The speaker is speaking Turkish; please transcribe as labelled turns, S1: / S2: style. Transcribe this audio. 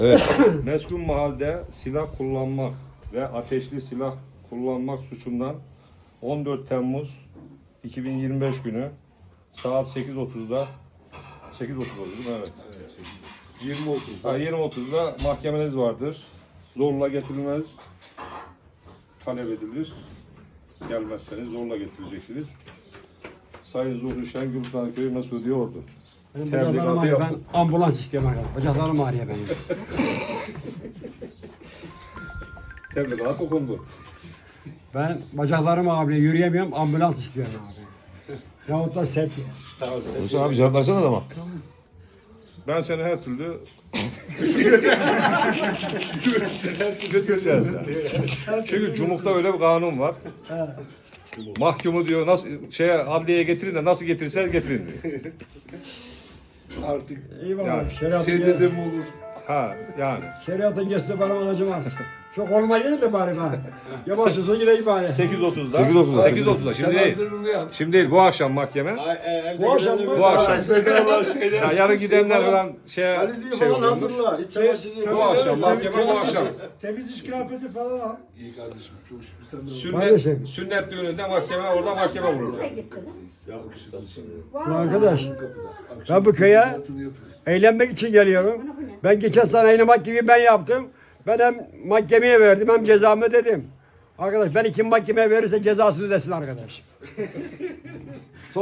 S1: Evet.
S2: Meskun mahalde silah kullanmak ve ateşli silah kullanmak suçundan 14 Temmuz 2025 günü saat 8.30'da 8.30 değil mi? Evet.
S1: 20.30'da.
S2: 20.30'da mahkemeniz vardır. Zorla getirilmez talep edilir. Gelmezseniz zorla getireceksiniz. Sayın Zuhri Şengül Köyü Mesudiye Ordu.
S3: Benim
S2: Tebligatı
S3: bacaklarım ağrıyor. Ben
S2: yaptım.
S3: ambulans istiyorum arkadaşlar. Bacaklarım ağrıyor benim.
S2: Tebligat okundu.
S3: Ben bacaklarım ağrıyor. Yürüyemiyorum. Ambulans istiyorum abi. Yahut da septi.
S1: Hüseyin abi cevap versene adama.
S2: Ben seni her türlü götüreceğiz. Yani. Çünkü Cumhur'da öyle bir kanun var. Mahkumu diyor nasıl adliyeye getirin de nasıl getirirseniz getirin diyor.
S1: Artık
S3: Eyvallah.
S2: Yani
S1: seyde de mi olur?
S2: Ha yani.
S3: Şeriatın geçse bana acımaz. Çok olmayı de bari ben. Yavaşçasın gideyim bari.
S2: 8.30'da.
S1: 8.30'da.
S2: 8.30'da. Şimdi değil. Şimdi değil. Bu akşam mahkeme.
S3: Bu akşam mı?
S2: Bu akşam. Ya yarın gidenler falan şey
S4: falan
S2: oluyor.
S4: hazırla. İç çamaşırı.
S2: Bu akşam mahkeme bu akşam.
S4: Temiz iş kıyafeti falan al.
S1: İyi kardeşim çok şükür sen de
S2: Sünnet düğününde mahkeme orada mahkeme vurulacak.
S3: Arkadaş, ben bu köye eğlenmek için geliyorum. Ben geçen sene oynamak gibi ben yaptım. Ben hem mahkemeye verdim hem cezamı ödedim. Arkadaş ben kim mahkemeye verirse cezasını ödesin arkadaş.